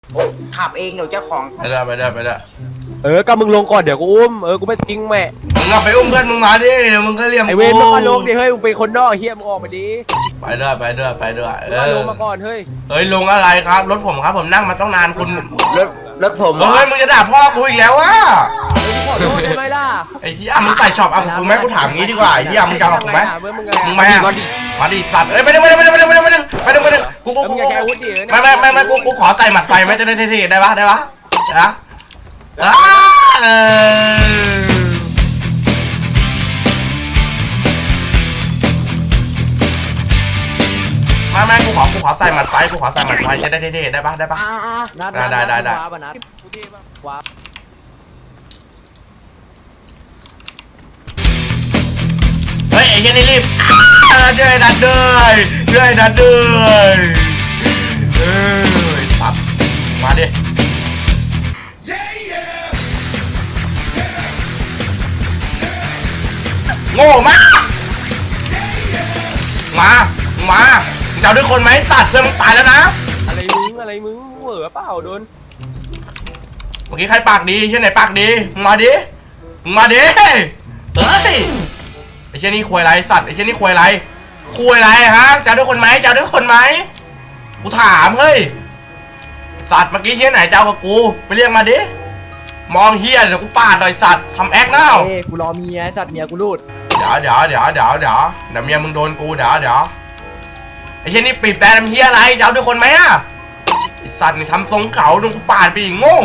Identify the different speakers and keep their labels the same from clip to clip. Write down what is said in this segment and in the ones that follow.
Speaker 1: ขับเองเดี๋ยวเจ้าของ
Speaker 2: ไปได้
Speaker 3: ก็มึงลงก่อนเดี๋ยวกูอุ้มกูไม่ทิ้งแม่
Speaker 2: มึงเอาไปอุ้มเพื่อนมึงมาดิเดี๋ยวมึงก็เรียม
Speaker 3: ไอเวรมึงก็ลงดิเฮ้ยมึงเป็นคนนอกเฮียมึงออกมาดิ
Speaker 2: ไปด้วย
Speaker 3: มึงก็ลงมาก่อนเฮ้ย
Speaker 2: เฮ้ยลงอะไรครับรถผมครับผมนั่งมาต้องนานคุณ
Speaker 1: รถผม
Speaker 2: เฮ้ยมึงจะด่าพ่อกูอีกแล้ววะ
Speaker 3: ขอโทษได้ไหมล่ะ
Speaker 2: ไอ้เหี้ยมึงใส่ช็อปเอากูไหมกูถามงี้ดีกว่าไอ้เหี้ยมึงจะเอากูไหมมึงมามาดิสัตว์เอ้ยไม่ได้กู
Speaker 3: มึงอย่าแกวุ้ดิ
Speaker 2: ไม่กูขอใส่หมัดไฟไหมจะได้เท่ๆได้ปะนะไม่กูขอใส่หมัดไฟจะได้เท่ๆได้ปะได้
Speaker 3: ว้าบนะว้า
Speaker 2: เฮ้ยไอ้เหี้ยนี่รีบช่วยดันด้วยปั๊บมาดิโง่มากมาจะเอาด้วยคนไหมสัตว์เพื่อนมึงตายแล้วนะ
Speaker 3: อะไรมึงเหวอเปล่าโดน
Speaker 2: เมื่อกี้ใครปากดีเช่นไหนปากดีมาดิเฮ้ยไอ้เช่นนี่ควยไรสัตว์ไอ้เช่นนี่ควยไรฮะจะเอาด้วยคนไหมกูถามเฮ้ยสัตว์เมื่อกี้เช่นไหนจะเอากับกูไปเรียกมาดิมองเฮียเดี๋ยวกูปาดหน่อยสัตว์ทำแอคเน่า
Speaker 3: กูรอเมียสัตว์เมียกูรูด
Speaker 2: เดี๋ยวเมียมึงโดนกูเดี๋ยวไอ้เช่นนี่ปิดแบรนด์เฮียอะไรจะเอาด้วยคนไหมอะไอ้สัตว์นี่ทำทรงเก่าโดนกูปาดไปอีกโง่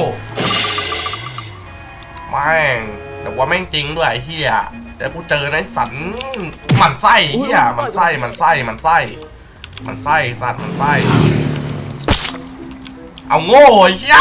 Speaker 2: แม่งแต่ว่าแม่งจริงด้วยไอ้เฮียแต่กูเจอในสัตว์มันไส้เฮียมันไส้สัตว์มันไส้เอาโง่เฮีย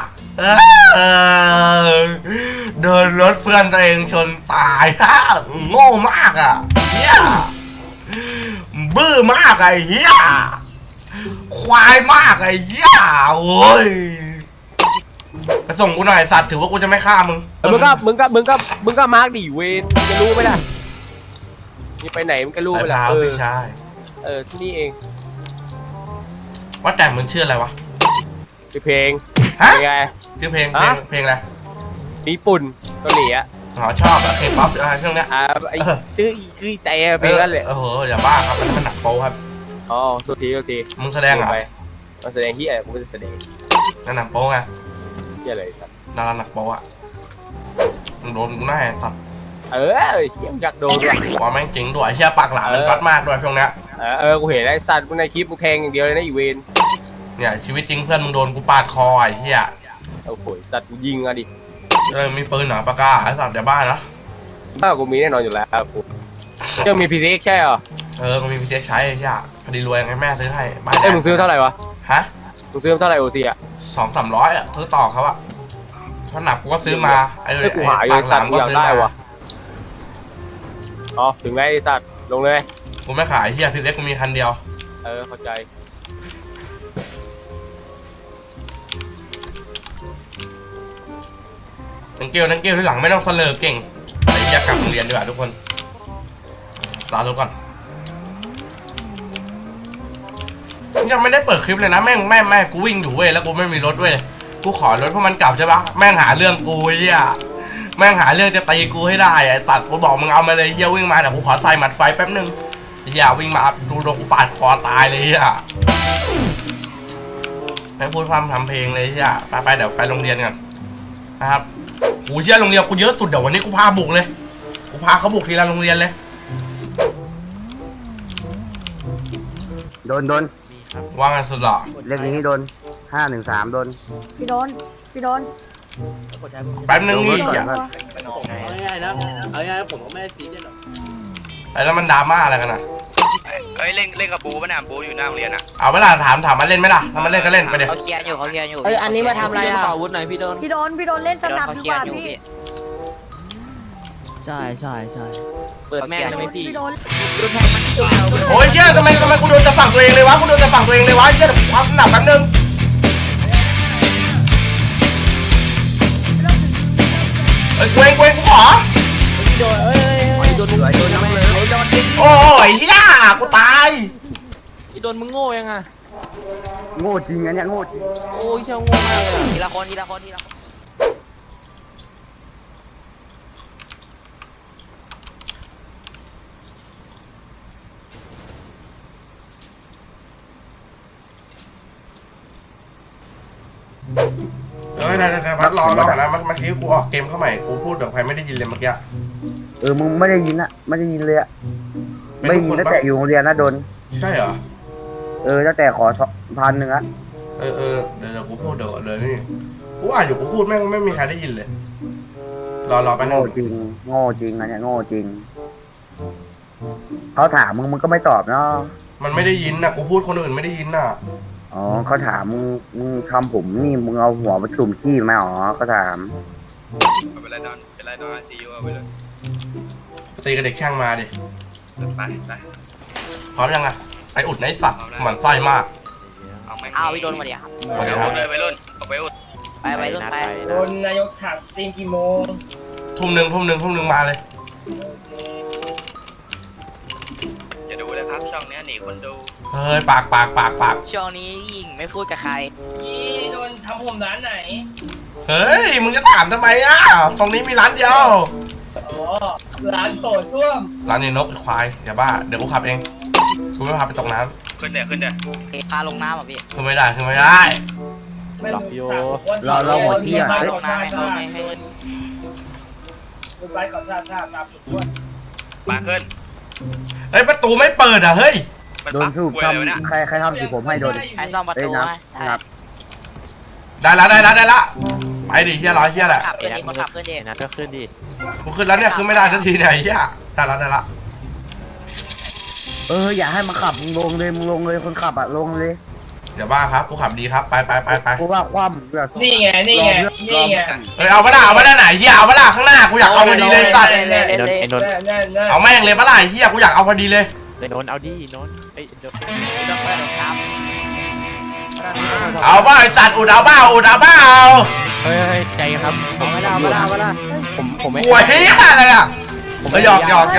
Speaker 2: เดินรถเพื่อนตัวเองชนตายฮะโง่มากอ่ะเฮียบื้อมากไอ้เฮียควายมากไอ้เฮียโอ้ยไปส่งกูหน่อยสัตว์ถือว่ากูจะไม่ฆ่ามึง
Speaker 3: มึงก็มาร์กดิเวนจะรู้ไหมล่ะนี่ไปไหนมึงก็รู้ไปล่ะ
Speaker 2: ไม่ใช่
Speaker 3: ที่นี่เอง
Speaker 2: ว่าแต่มึงชื่ออะไรวะ
Speaker 3: ชื่อเพลงไง
Speaker 2: ชื่อเพลงอะไร
Speaker 3: ญี่ปุ่นเกาหลีอ่ะ
Speaker 2: ชอบอะเคป๊อปอะไรช่วงเนี้ย
Speaker 3: ไอ้คือแต่เพลงนั่นแหละ
Speaker 2: อย่าบ้าครับมันหนักโป๊ครับ
Speaker 3: ตัวที
Speaker 2: มึงแสดงอะไร
Speaker 3: มาแสดงที่อะไรกูไม่ได้แสดง
Speaker 2: หนักโป๊ไง
Speaker 3: ที่อะไรสัตว์
Speaker 2: ดาราหนักโป๊อะมึงโดนกูแน่สัตว์
Speaker 3: เชี่ยอยากโดนว่ะ
Speaker 2: ว่าแม่งจริงด้วยเชี่ยปากหลานมันกัดมากด้วยช่วงเนี้ย
Speaker 3: กูเห็นไอ้สัตว์มึงในคลิปมึงแทงอย่างเดียวเลยนะอีเวน
Speaker 2: เนี่ยชีวิตจริงเพื่อนมึงโดนกูปาดคอไอ้เหี้ย
Speaker 3: โอ้โหสัตว์กูยิงอะดิ
Speaker 2: มีปืนหนาปากกาไอ้สัตว์เดี๋ยวบ้านะ
Speaker 3: กูมีแน่นอนอยู่แล้วกูยังมีพีเซ็กใช่เหรอ
Speaker 2: กูมีพีเซ็กใช้ไอ้เหี้ยพอดีรวยไงแม่ซื้อให้บ้าน
Speaker 3: มึงซื้อเท่าไหร่วะ
Speaker 2: ฮะ
Speaker 3: มึงซื้อเท่าไหร่โอซีอะ
Speaker 2: 200-300อะซื้อต่อเขาอะถ้าหนักกูก็ซื้อมาไอ้
Speaker 3: กูหาอยู่สัตว์อยากได้วะถึงไงสัตว์ลงเลย
Speaker 2: กูไม่ขายเหี้ยพีเซ็กกูมีคันเดียว
Speaker 3: เข้าใจ
Speaker 2: นังเกลที่หลังไม่ต้องเสลอเก่งไอ้อยากกลับโรงเรียนดีกว่าทุกคนลาทุกคนยังไม่ได้เปิดคลิปเลยนะแม่กูวิ่งอยู่เว้ยแล้วกูไม่มีรถเว้ยกูขอรถเพราะมันกลับใช่ปะแม่งหาเรื่องกูเฮียแม่งหาเรื่องจะตีกูให้ได้ไอ้สัตว์กูบอกมึงเอามาเลยเฮียวิ่งมาแต่กูขอใส่หมัดไฟแป๊บนึงเฮียวิ่งมาดูโดนกูปาดคอตายเลยเฮียไม่พูดความทำเพลงเลยเฮียไปเดี๋ยวไปโรงเรียนกันนะครับกูเชื่อโรงเรียนกูเยอะสุดเดี๋ยววันนี้กูพาบุกเลยกูพาเขาบุกทีละโรงเรียนเลย
Speaker 1: โดน
Speaker 2: ว่างันสุดหรอ
Speaker 1: เรื่องนี้โดน513โดน
Speaker 4: พี่โดน
Speaker 2: แป๊บนึงนี่
Speaker 5: เอาง่ายนะผมก็ไม่ได้ซีเรียสหรอก
Speaker 2: แล้วมันดราม่าอะไรกันนะ
Speaker 6: เล่นกับบูป่ะเนี่ยบูอยู่หน้าโรงเรียนอ่ะ
Speaker 2: เอาเวลาถามมาเล่นไหมล่ะถ้ามันเล่นก็เล่นไปเดี๋ยว
Speaker 6: เขาเคลียร์อยู่
Speaker 4: อันนี้มาทำอะไรอ่ะ
Speaker 5: ขอวุฒิหน่อยพี่โดน
Speaker 4: เล่นสนับดีกว่าพี่
Speaker 5: ใช่เปิดแม่เลยไหมพี่
Speaker 2: โอ้ยเจ้าทำไมกูโดนจะฝั่งตัวเองเลยวะเจ้าเดี๋ยวความหนักแป๊บนึงกูเองกูขอ
Speaker 5: โดน
Speaker 2: โอ้ยเฮียกูตาย
Speaker 5: พี่โดนมึงโง่ยังไง
Speaker 1: โง่จริงอันเนี้ยโง่จริง
Speaker 3: โอ้ยเชี่ยโง่มากเลยอะ
Speaker 6: ทีละคนทีละคนทีละคน
Speaker 2: ได้พัดรอก่อนนะเมื่อกี้กูออกเกมเข้าใหม่กูพูดแบบใครไม่ได้ยินเลยเมื่อกี้
Speaker 1: มึงไม่ได้ยินอะไม่ได้ยินเลยอะ
Speaker 2: เป็น
Speaker 1: ไม่
Speaker 2: ทุก
Speaker 1: ได้ยิน
Speaker 2: คน
Speaker 1: ตั้ง
Speaker 2: ปะ
Speaker 1: แต่อยู่โรงเรียนนะโดน
Speaker 2: ใช่เหรอ
Speaker 1: ตั้งแต่ขอ1,000อะ
Speaker 2: เดี๋ยวกูพูดเดี๋ยวเลยนี่กูอ่านอยู่กูพูดแม่งไม่มีใครได้ยินเลยรอไปนึ
Speaker 1: โง่
Speaker 2: ง
Speaker 1: จริงโง่จริงอันเนี้ยโง่จริงเขาถามมึงก็ไม่ตอบเนาะ
Speaker 2: มันไม่ได้ยินนะกูพูดคนอื่นไม่ได้ยินน่ะ
Speaker 1: อ๋อเขาถามมึงทำผมนี่มึงเอาหัวมาจุ่มขี้ไหมอ๋อเขาถาม
Speaker 6: เป็นไรนอนซีอูไปเลย
Speaker 2: ตีกับเด็กช่างมาดิ
Speaker 6: ไปไป
Speaker 2: พร้อมยังอะไออุดไอสัตว์หมันไส้มาก
Speaker 6: เอาไหมเอาพี่โดนมาดิครับ
Speaker 2: มาดิครับ
Speaker 6: ไปรุ่นไปรุ่นไปรุ่นไป
Speaker 5: โดนนายกถามตีมกี่โมง
Speaker 2: ทุ่มหนึ่งมาเลย
Speaker 6: อย่าดูเลยครับช่องนี้หนีคนดู
Speaker 2: เฮ้ยปาก
Speaker 6: ช่วงนี้ยิงไม่พูดกับใคร
Speaker 5: ยี่โดนทำผมร้านไหน
Speaker 2: เฮ้ยมึงจะถามทำไมอ่ะตรงนี้มีร้านเดียว
Speaker 5: อ๋อ ร้านโถส้วม
Speaker 2: ร้านนี้นกไอ้ควายอย่าบ้าเดี๋ยวกูขับเองกูไม่พาไปตกน้
Speaker 6: ขึ้นเดี๋ยวพาลงน้ำอ่ะพี่
Speaker 2: ำขึ้นไม่ได้
Speaker 5: ไม่รู้
Speaker 1: หมดที่อะ
Speaker 5: ไป
Speaker 1: เฮ้ย
Speaker 5: ก่อน
Speaker 6: น้ำให้เขาให้
Speaker 5: ไปก่อนซาบด้วย
Speaker 6: มาขึ้น
Speaker 2: เฮ้ยประตูไม่เปิดอ่ะเฮ้ย
Speaker 1: โดนสูบทำใครทำสีผมให้โดน
Speaker 6: ไอ้ซ่อมประ
Speaker 1: เอ้ย
Speaker 6: ตู
Speaker 1: นะ
Speaker 6: ให้
Speaker 1: ครับ
Speaker 2: ได้ละไปดิเฮียร้อยเฮียแหละ
Speaker 6: ขับขึ้นดิมาขับขึ้นดิ
Speaker 3: นะก็ขึ้นดิ
Speaker 2: กูขึ้นแล้วเนี่ยขึ้นไม่ได้ทันทีเนี่ยไอ้เฮียได้ละ
Speaker 1: อย่าให้มันขับมึงลงเลยคนขับอะลงเลย
Speaker 2: เดี๋ยวบ้าครับกูขับดีครับไป
Speaker 1: กูว่าคว่ำแบบ
Speaker 5: นี่ไง
Speaker 2: เฮ้ยเอาปะล่ะไหนเฮียเอาปะล่ะข้างหน้ากูอยากเอาพอดีเลยสัตว์
Speaker 3: ไอ้นนท์
Speaker 2: เอาแม่งเลยปะล่ะเฮียกูอยากเอาพอดีเลย
Speaker 3: ไอ้นนท์เอาดินนท์ไอ้เดี๋ยว
Speaker 6: ต้องเปิดครับ
Speaker 2: เอาบ้าไอสัตว์อุดเอาบ้า
Speaker 3: เฮ้ยใจครับผมไม่ได้ผมไม่
Speaker 2: กลัวเฮียอะไรอ่ะเฮ้ยหยอก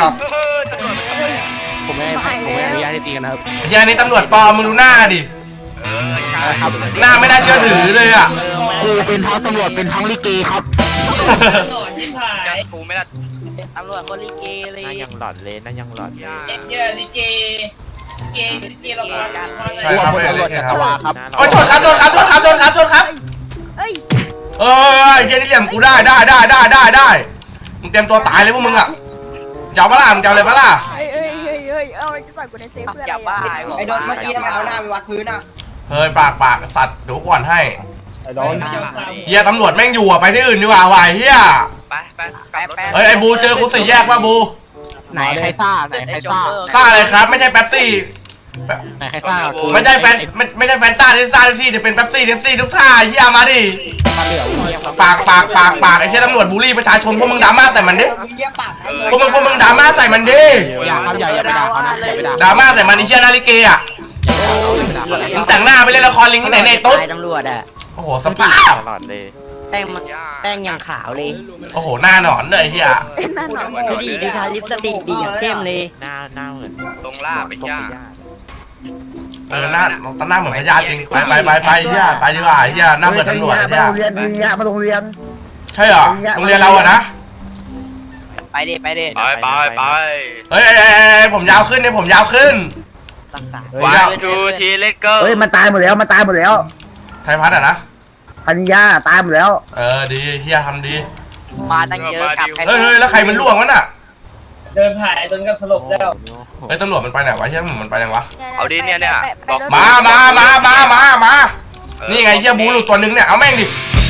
Speaker 3: ผมไม่อนุญาตให้ตีกันนะครับ
Speaker 2: เฮียนี่ตำรวจปลอมมึงดูหน้าดิหน้าไม่น่าเชื่อถือเลยอ่ะ
Speaker 1: กูเป็นทั้งตำรวจเป็นทั้งลิเกครับ
Speaker 5: หลอนยิ่งหาย
Speaker 6: กูไม่ได้ตำรวจคนลิเกเลย
Speaker 3: นั่นยังหลอดเลยนั่นยังหลอด
Speaker 5: เยอะลิเกเราพากัน
Speaker 2: ใช่ครับ
Speaker 3: ตำรวจจักรวาลครับ
Speaker 2: โอ้ยชนครับ
Speaker 4: เอ้ย
Speaker 2: เออเฮียนี่เหลี่ยมกูได้มึงเตรียมตัวตายเลยพวกมึงอ่ะจะเอาปะล่ะมึงจะเอาเลยปะล่ะ
Speaker 4: เอ้ยเอาอะไรจะต่อยกูในเซฟเพื่อ
Speaker 6: จับ
Speaker 4: อะไร
Speaker 6: บ้า
Speaker 4: อะ
Speaker 6: ไอ้โดนเมื่อกี้ทำไมเอาหน้าไปวัดพื้นอ่ะ
Speaker 2: เฮ้ยปากสัตว์เดี๋ยวกูก่อนให้
Speaker 5: โดน
Speaker 2: เฮียตำรวจแม่งอยู่อ่ะไปที่อื่นดีกว่าว่ะเฮีย
Speaker 6: ไป
Speaker 2: เฮ้ยไอ้บูเจอกูสี่แยกป่ะบู
Speaker 3: ไหนใครซ่าไหนใครซ่า
Speaker 2: ซ่าอะไรครับไม่ใช่แป๊บซี่
Speaker 3: ไหนใครซ่ากู
Speaker 2: ไม่ใช่แฟนต้าที่ซ่าทุกที่จะเป็นแป๊บซี่ทุกท่าเฮียมาดิ
Speaker 3: มาเหลือเงียบ
Speaker 2: ปากไอ้เฮียตำรวจบูลลี่ประชาชนพวกมึงดราม่าใส่มันดิพวกมึงดราม่าใส่มันดิ
Speaker 3: อย่าครับอย่าไปด่าเขานะอย่าไปด่า
Speaker 2: ดราม่าใส่มันไอ้เฮียนาฬิเกอ่ะมึงแต่งหน้าไปเล่นละครลิงที่ไหนในตุ๊ด
Speaker 7: ตำรวจอ่ะ
Speaker 2: โอ้โหสภาพ
Speaker 3: ตลอดเลย
Speaker 7: แป้งยังขาวเลย
Speaker 2: โอ้โหหน้าหนอนเลยไอ้เฮีย
Speaker 4: นั่นหนอน
Speaker 7: ดูดิดูทาลิปสติกดีอย่างเข้มเลย
Speaker 3: หน้าเหมือน
Speaker 6: ตรงล่าไปย่า
Speaker 2: หน้าเหมือนพญาจริงไปเฮียไปดีกว่าเฮียหน้าเหมือนตำรวจ
Speaker 1: มา
Speaker 2: เฮีย
Speaker 1: โรงเรียนมาโรงเรียน
Speaker 2: ใช่เหรอโรงเรียนเราอะนะ
Speaker 6: ไปดิไป
Speaker 2: เฮ้ยผมยาวขึ้นเนี่ยผมยาวขึ้น
Speaker 7: รักษา
Speaker 6: วันทูทีเลเกอร์
Speaker 1: เฮ้ยมันตายหมดแล้ว
Speaker 2: ไทยพัฒน์อะนะ
Speaker 1: พันยาตายหมดแล้ว
Speaker 2: ดีเฮียทำดี
Speaker 6: มาตั้งเยอะกับ
Speaker 2: เฮ้ยแล้วใครมันล่วงวะน่ะ
Speaker 5: เดินผ่านจนก็สลบแล้ว
Speaker 2: เฮ้ยตำรวจมันไปไหนวะเฮียมันไปไหนวะ
Speaker 6: เอาดิเนี่ยบอก
Speaker 2: มานี่ไงเฮียบูหลุดตัวนึงเนี่ยเอาแม่งดิ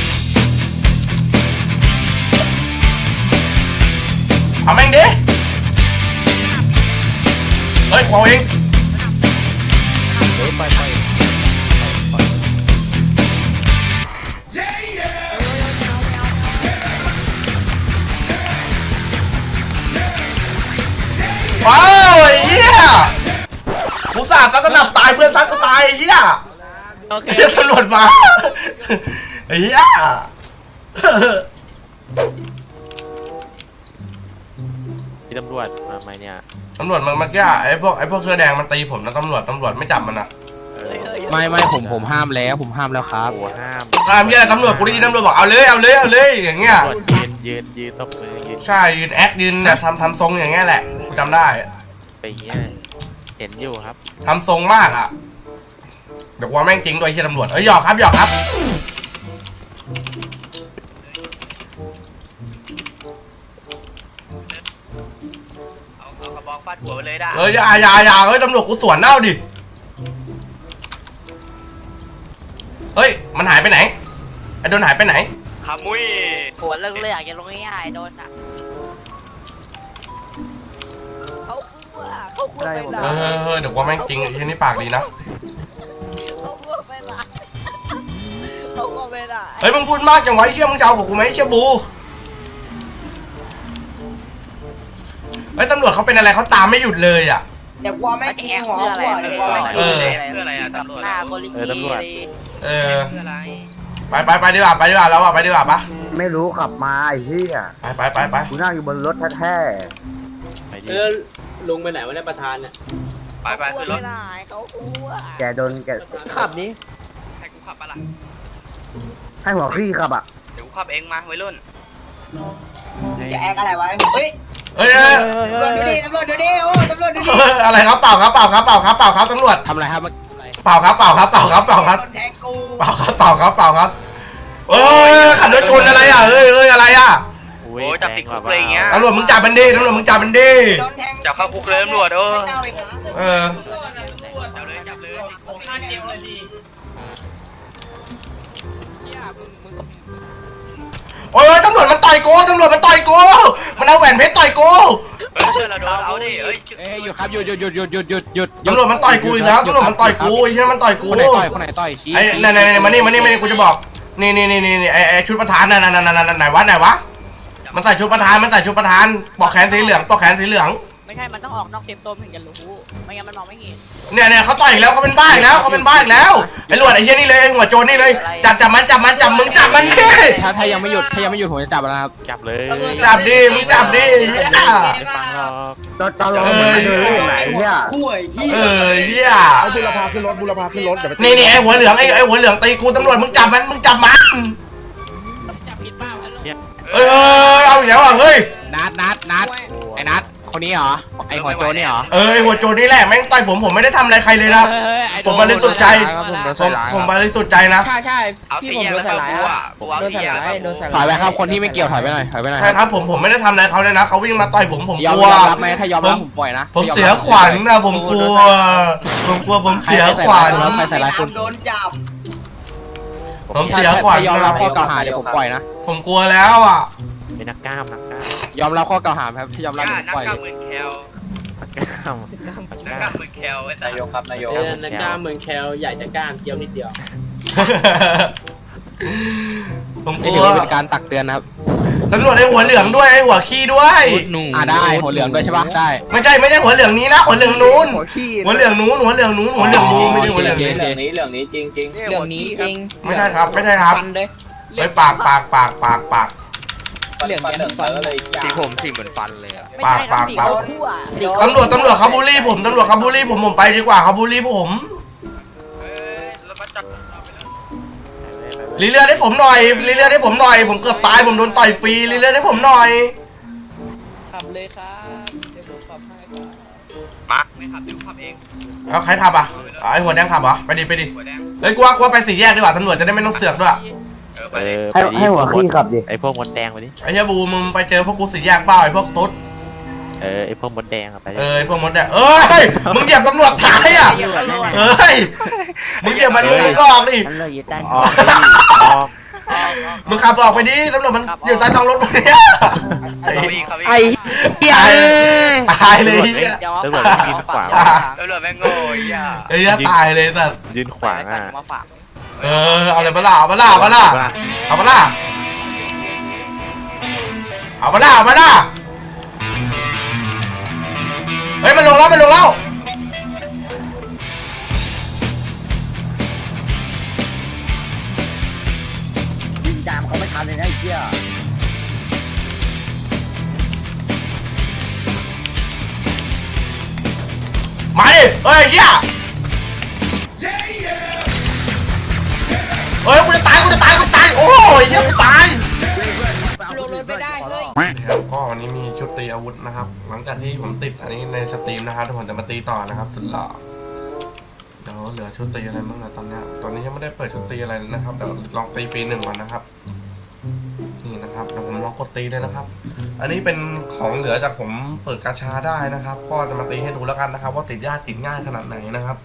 Speaker 2: เอาแม่งดิเฮ้ยเอาเอง
Speaker 3: ไป
Speaker 2: ว้าวไอ้เฮียกูสาดซัดสนับตายเพื่อนซัดก็ตายไอ้เฮีย
Speaker 6: โอเค
Speaker 2: เฮียตำรวจมาไอ้เฮีย
Speaker 3: ที่ตำรวจมาไหมเนี่ย
Speaker 2: ตำรวจมันเมื่อกี้ไอ้พวกเสื้อแดงมันตีผมนะตำรวจไม่จับมันอ่ะ
Speaker 3: ไม่ผมห้ามแล้วครับ
Speaker 8: โอ้ห้าม
Speaker 2: เหี้ยตำรวจกูได้ยินตำรวจบอกเอาเลยอย่างเงี้ย
Speaker 8: ตำรวจยืนตบมือยืน
Speaker 2: ใช่ยืนแอคยืนเนี่ยทำทรงอย่างเงี้ยแหละกูจำได้
Speaker 8: ไปอย่างเงี้ยเห็นอยู่ครับ
Speaker 2: ทำทรงมากอ่ะเดี๋ยวว่าแม่งจริงด้วยไอ้เหี้ยตำรวจหยอกครับ
Speaker 6: เอากระบอกฟาดหัวไปเลยได้
Speaker 2: อย่าเฮ้ยตำรวจกูสวนเน่าดิเฮ้ยมันหายไปไหนไอ้โดนหายไปไหน
Speaker 6: ขมุ้ย
Speaker 9: ปวดเรื่องเลยอยากจะลงง่ายๆโดนอ่ะ
Speaker 7: เขาคั่วไปละ
Speaker 2: เดี๋ยวว่าแม่งจริงไอ้เหี้ยนี่ปากดีนะ
Speaker 7: เขาคั่วไปละเขาคั่วไปละ
Speaker 2: เฮ้ยมึงพูดมากจังวะไอ้เชี่ยมึงจะเอากับกูไหมไอ้เชี่ยบูเฮ้ยตำรวจเขาเป็นอะไรเขาตามไม่หยุดเลยอ่ะ
Speaker 9: เดี๋ยวกลัวไม่จริงหัวเดี๋ยวกลัวไม่จ
Speaker 6: เอ
Speaker 9: ริง
Speaker 6: อเพื่ออะไรอะตำรวจ
Speaker 9: หน้าโคลิกีเลย
Speaker 6: เพื่ออะไร
Speaker 2: ไปดีกว่าแล้วอ่ะไปดีกว่าปะ
Speaker 1: ไม่รู้ขับมาไอ้เหี้ย
Speaker 2: ไป
Speaker 1: กูนั่งอยู่บนรถแท้
Speaker 8: ไปดิ
Speaker 5: ลุงไปไหนวะเนี่ยประธานเนี่ย
Speaker 6: ไปขึ้นรถ
Speaker 7: เขาคั่ว
Speaker 1: ๆแกโดนแก
Speaker 3: ขับนี้
Speaker 6: ให้กูขับปะล่ะ
Speaker 1: ให้หัวคลี่ขับอ่ะ
Speaker 6: เดี๋ยวกูขับเองมาวัยรุ่น
Speaker 9: จะแอกอะไรไว้เฮ้ย
Speaker 2: เฮ้ย
Speaker 9: ตำรวจดูดิตำรวจดูดิโอ้ตำรวจดูดิ
Speaker 2: อะไรครับเปล่าครับตำรวจ
Speaker 3: ทำอะไรครับ
Speaker 2: เปล่าครับ
Speaker 9: โดนแทงกู
Speaker 2: เปล่าครับเอ้ยขับรถชนอะไรอ่ะเฮ้ยอะไรอ่ะ
Speaker 6: โอ้จับติดคุกเลยอย่างเงี้ย
Speaker 2: ตำรวจมึงจับมันดิ
Speaker 9: โดนแทง
Speaker 6: จับเข้าคุกเลยตำรวจ
Speaker 9: ไม่เอาอีกนะ
Speaker 2: เออ
Speaker 6: จับเลยติดคุก5 เกมเลยดิ
Speaker 2: โอ้ยตำรวจมันต่อยกูมันเอาแหวนเพชรต่อยกู
Speaker 6: เฮ้ยเชื่อเราโดนเอาดิเฮ้ย
Speaker 3: หยุดครับหยุด
Speaker 2: ตำรวจมันต่อยกูอีกแล้วตำรวจมันต่อยกูไอ้เหี้ยมันต่อยกู
Speaker 3: คนไหนต่อยชี้
Speaker 2: ไอ้นั่นมานี่กูจะบอกนี่ไอ้ชุดประธานนั่นไหนวะมันใส่ชุดประธานปอกแขนสีเหลือง
Speaker 9: ไม่ใช่มันต้องออกนอกเซฟโซนถึงจะรู้ไม่งั้นมันมองไม่เห็น
Speaker 2: เนี่ยเขาต่อยอีกแล้วเขาเป็นบ้าอีกแล้วไอ้หลวดไอ้เหี้ยนี่เลยไอ้หัวโจรนี่เลยจับมันมึงจับมันดิ
Speaker 3: ถ้ายังไม่หยุดผมจะจับแล้วครับ
Speaker 8: จับเลย
Speaker 2: จับดิมึงจับดิเหี้ย
Speaker 8: ไม่ฟังหรอก
Speaker 1: ตลอดมันเดินเล่นไหนเนี่ย
Speaker 9: คู่ไอ้เหี้ย
Speaker 2: เหี้ย
Speaker 3: บุรพาขึ้นรถอย่าไป
Speaker 2: นี่ไอ้หัวเหลืองไอ้หัวเหลืองตีกูตำรวจมึงจับมัน
Speaker 9: จับผิดเปล่า
Speaker 2: เอ้ยเอาอีกแล้วอ่ะเฮ้ย
Speaker 3: นัดไอ้นัดคนนี้เหรอไอ้หัวโจนี่เหรอ
Speaker 2: ไอ้หัวโจรนี่แหละแม่งต่อยผมไม่ได้ทำอะไรใครเลยนะผมบริสุทธิ์ใจผมบริสุทธิ์ใจนะ
Speaker 9: ใช่
Speaker 6: เอาสีแยกแล้วเข้ากูอ่ะกูเอาสีแยกแล้วเข้ากู
Speaker 3: ถอยไปครับคนที่ไม่เกี่ยวถอยไปหน่อย
Speaker 2: ใช่ครับผมไม่ได้ทำอะไรเขาเลยนะเขาวิ่งมาต่อยผมก
Speaker 3: ยอม
Speaker 2: ลัว
Speaker 3: รับไหมถ้ายอมรับผมปล่อยนะ
Speaker 2: ผมเสียขวัญนะผมกลัวผมเสียขวัญ
Speaker 3: แล้วใครใส่ร้ายคุณ
Speaker 9: โดนจับ
Speaker 2: ผมเสียขวัญ
Speaker 3: ถ้ายอมรับข้อกล่าวหาเดี๋ยวผมปล่อยนะ
Speaker 2: ผมกลัวแล้วอ่ะ
Speaker 8: เป็นนักกล้าม
Speaker 3: ยอมรับข้อกล่าวหาครับที่ยอมรับ
Speaker 6: ย่า
Speaker 3: ผม
Speaker 6: นัก
Speaker 3: ปล่อย
Speaker 6: กล้ามหมื่นแคล
Speaker 8: นักกล้าม
Speaker 6: นักกล้ามหมื่นแคลไอ้สัส
Speaker 5: นักกล้ามเมืองแคลใหญ่จะกล้ามเจียวนิดเดียว
Speaker 2: ผมก
Speaker 3: นี่
Speaker 2: ลั
Speaker 3: ถื
Speaker 2: ว
Speaker 3: อว่าเป็นการตักเตือนนะครับ
Speaker 2: ตำรวจไอ้หัวเหลืองด้วยไอ้หัวขี้ด้วย
Speaker 3: ได้หัวเหลืองด้วยใช่ปะได้
Speaker 2: ไม่ใช่หัวเหลืองนี้นะหัวเหลืองนู้นหัวเหลืองนู้นไม่ใช่หัวเหลืองนี้
Speaker 5: เรื่องนี้จริง
Speaker 9: เรื่องนี้จริง
Speaker 2: ไม่ใช่ครับ
Speaker 9: ฟันเลย
Speaker 2: ไอ้ปาก
Speaker 9: เรื่องแกนฟันเลย
Speaker 3: สีผมสีเหมือนฟันเลยอะ
Speaker 9: ไม่ใช่ครับสีเขาคู่อ่ะ
Speaker 2: ตำรวจเขาบูลลี่ผมไปดีกว่าเขาบูลลี่ผม
Speaker 6: เฮ้ยแล้วมาจับเราไปแล้ว
Speaker 2: รีเลือดให้ผมหน่อยผมเกือบตายผมโดนต่อยฟรีรีเลือดให้ผมหน่อย
Speaker 9: ขับเลยครับเดี๋ยวผมขับให้ครับ
Speaker 6: มาไม่ขับเดี๋ยวขับเอง
Speaker 2: เอาใครขับอ่ะไอ้หัวแดงขับเหรอไปดิ
Speaker 6: หัวแดง
Speaker 2: เฮ้ยกลัวไปสี่แยกดีกว่าตำรวจจะได้ไม่ต้องเสือกด้วย
Speaker 6: ไปเลย
Speaker 1: ให้หัวคลี่ขับดิ
Speaker 8: ไอ้พวกมดแดงไปดิ
Speaker 2: ไอ้เหี้ยบูมึงไปเจอพวกกูสี่แยกเปล่าไอ้พวกตุ๊ด
Speaker 8: ไอ้พวกมดแดงอะไปดิ
Speaker 2: ไอ้พวกมดเนี่ยเอ้ยมึงเหยียบตำรวจท้ายอ่ะเอ้ยมึงเหยียบมันมึงก็ออกดิ
Speaker 7: ตำรวจอยู่ใต้
Speaker 8: ออก
Speaker 2: มึงขับออกไปดิตำรวจมันอยู่ใต้ท้องรถมึงเนี่ย
Speaker 6: ไอ้
Speaker 2: ตายเลยเหี้ย
Speaker 9: เดี๋ยว
Speaker 8: ตำรวจยืนขวาง
Speaker 6: ตำรวจแม่งโง่ไอ้ย่า
Speaker 2: ไอ้เหี้ยตายเลยสัส
Speaker 8: ยืนขวาง
Speaker 9: กัน
Speaker 8: อ่ะ
Speaker 9: มาฝาก
Speaker 2: เอาเลยเอามาล่าเอามาล่าเฮ้ยมันลงแล้ว
Speaker 1: ยิงจามเขาไม่ทันเลยนะไอ้เหี้ย
Speaker 2: มาดิเฮ้ยเหี้ยเฮ้ยกูจะตายโอ้ยเหี้ยกูตาย
Speaker 9: ลงรถไม่ได้เฮ้ย
Speaker 2: ครับก็วันนี้มีชุดตีอาวุธนะครับ หลังจากที่ผมติดอันนี้ในสตรีมนะครับทุกคนจะมาตีต่อนะครับสุดหล่อเดี๋ยวเหลือชุดตีอะไรบ้างนะตอนนี้ยังไม่ได้เปิดชุดตีอะไรเลยนะครับเดี๋ยวลองตีฟรี1ก่อนนะครับนี่นะครับเดี๋ยวผมลองกดตีเลยนะครับ อันนี้เป็นของเหลือจากผมเปิดกาชาได้นะครับ ก็จะมาตีให้ดูแล้วกันนะครับ ว่าติดยากติดง่ายขนาดไหนนะครับ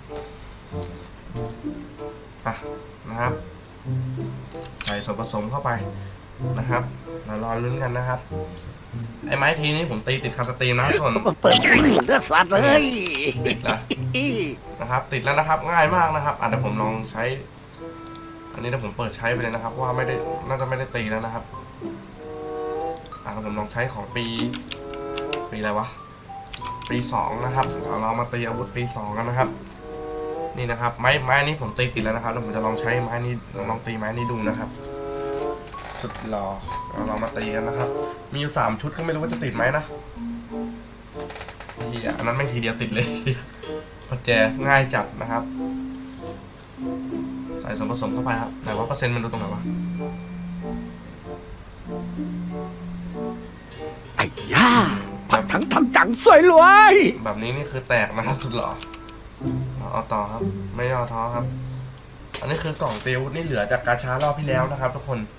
Speaker 2: อ่ะนะครับใส่ส่วนผสมเข้าไปนะครับเรารอลุ้นกันนะครับไอ้ไม้ทีนี้ผมตีติดคาสตรีมนะส่วนเปิดเลือดสัตว์เลยติดแล้วนะครับติดแล้วนะครับง่ายมากนะครับเดี๋ยวผมลองใช้ อันนี้เดี๋ยวผมเปิดใช้ไปเลยนะครับว่าไม่ได้น่าจะไม่ได้ตีแล้วนะครับเดี๋ยวผมลองใช้ของปีอะไรวะปี2นะครับเรามาตีอาวุธปี2กันนะครับนี่นะครับไม้นี้ผมตีติดแล้วนะครับแล้วผมจะลองใช้ไม้นี้ลองตีไม้นี้ดูนะครับสุดหล่อเรามาตีกันนะครับมีอยู่3ชุดก็ไม่รู้ว่าจะติดไหมนะอันนั้นไม่ทีเดียวติดเลยพอแจง่ายจัดนะครับใส่ส่วนผสมเข้าไปครับแต่ว่าเปอร์เซ็นต์มันดูตรงไหนวะ
Speaker 10: ไอ้ย่าผัดทั้งทำจังสวยรวย
Speaker 2: แบบนี้นี่คือแตกนะครับสุดหล่อเอาต่อครับไม่ย่อท้อครับอันนี้คือกล่องตีอาวุธนี่เหลือจากกาชารอบที่แล้วนะครับทุกคน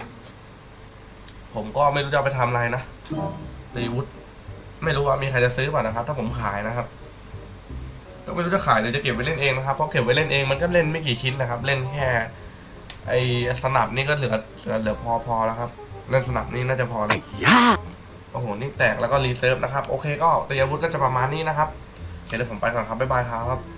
Speaker 2: ผมก็ไม่รู้จะเอาไปทำอะไรนะตีอาวุธไม่รู้ว่ามีใครจะซื้อป่ะนะครับถ้าผมขายนะครับก็ไม่รู้จะขายหรือจะเก็บไว้เล่นเองนะครับเพราะเก็บไว้เล่นเองมันก็เล่นไม่กี่ชิ้นนะครับเล่นแค่ไอ้สนับนี่ก็เหลือพอแล้วครับเล่นสนับนี่น่าจะพอแล้วโอ้โหนี่แตกแล้วก็รีเซิร์ฟนะครับโอเคก็ตีอาวุธก็จะประมาณนี้นะครับโอเคเดี๋ยวผมไปก่อนครับบ๊ายบายครับ